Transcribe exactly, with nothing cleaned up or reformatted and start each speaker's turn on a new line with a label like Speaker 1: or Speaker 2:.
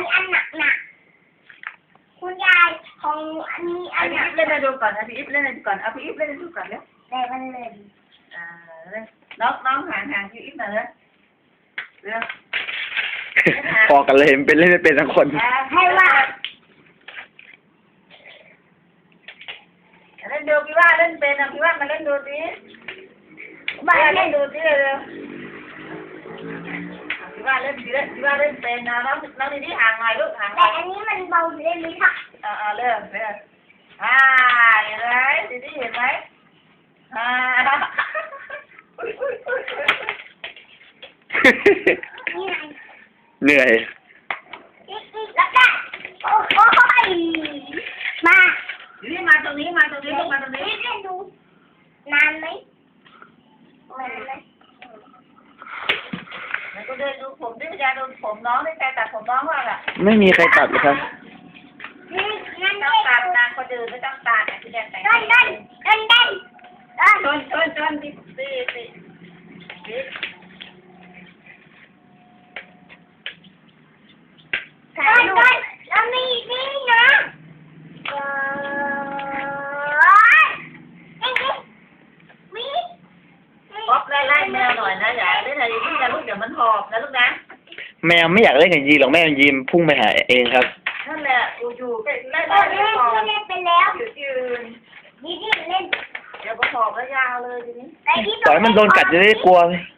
Speaker 1: อันหนักหนักคุณยายของอันนี้อันหนัก
Speaker 2: พี่เล่นให้ดูก่อนนะพี่อิฟเล่นให้ดูก่อนเอาพี่อิฟเล่นให้ดูก่อนเร็ว
Speaker 1: แต่มันเลย
Speaker 2: อ่าเลยน้องน้องห่างห่างพี่อิฟหน่อยเลยเร็ว
Speaker 3: พอกันเลยเป็นเล่นไม่เป็นทั้งคน
Speaker 1: ให้ว่า
Speaker 2: เล่นดูพี่ว่าเล่นเป็นนะพี่ว่ามาเล่นดูสิ
Speaker 1: บ้าน
Speaker 2: เล่
Speaker 1: เล่
Speaker 2: น
Speaker 1: น
Speaker 2: ดูสิเร็วพี่ว่าเล่นพี่เล่นพี่ว่าเล่นเป็นนะน้องน้องนี่ห่างหน่อยลูกห่างหน่
Speaker 1: แต่
Speaker 2: อย
Speaker 1: อันนี้มันเบาเล่นเลยค่ะ
Speaker 2: อ่าอ่าเริ่มเริ่มอ่าเห็นไหมดีดีเห็นไหมอ่าอุ้ยอุ้ยอุ้ยอุ้ย
Speaker 1: นี่ไง
Speaker 3: เหนื่อย
Speaker 1: อีกอีกแล้วก็โอ้โหมา
Speaker 2: อยู่นี่มาตรงนี้มาตรงนี้ลูกมาตรงนี้
Speaker 1: เล่นดูนานไหมนานไหม
Speaker 2: แล้วก็เดินดูผมดิพยาดูผมน้องได้ใจตัดผมน้องว่าล่ะ
Speaker 3: ไม่มีใครตัดเลยครับ
Speaker 1: นี่งั้น
Speaker 2: ต้
Speaker 1: เล่
Speaker 2: อง
Speaker 1: น
Speaker 2: ตัด
Speaker 1: ดู
Speaker 2: นางคนอื่นไม่ต้องตัดนะพี่แดงแต่ง
Speaker 1: เล่นเล่นเล่นเล่นเล่น
Speaker 2: ชนชนชนดิดิดิดิ
Speaker 1: เล่นเล่นแล้วมีนี่นะเออนี่นี่มี
Speaker 2: ป๊อปไล่ไล่แมวหน่อยนะอย่าเล่นอะไรที่จะลูกเดี๋ยวมันหอบนะลูกนะ
Speaker 3: แมวไม่อยากเล่นกับยีหรอกแม่ยีมพุ่งไปหาเองครับ
Speaker 2: นั่นแหละอยู่อยู่เล่น
Speaker 1: เอ
Speaker 2: เล่น
Speaker 1: อ
Speaker 2: เล่
Speaker 1: เล่
Speaker 2: น
Speaker 1: น
Speaker 2: หอบ
Speaker 1: เล่นไปแล้ว
Speaker 2: อยู่ยืน
Speaker 1: นี่นี่เล่น
Speaker 2: เดี๋ยวพอหอบแล้วยาวเลยทีนี้
Speaker 1: ไอ้ที่
Speaker 3: ปล่อยมันโดนกัดจะได้กลัวไหม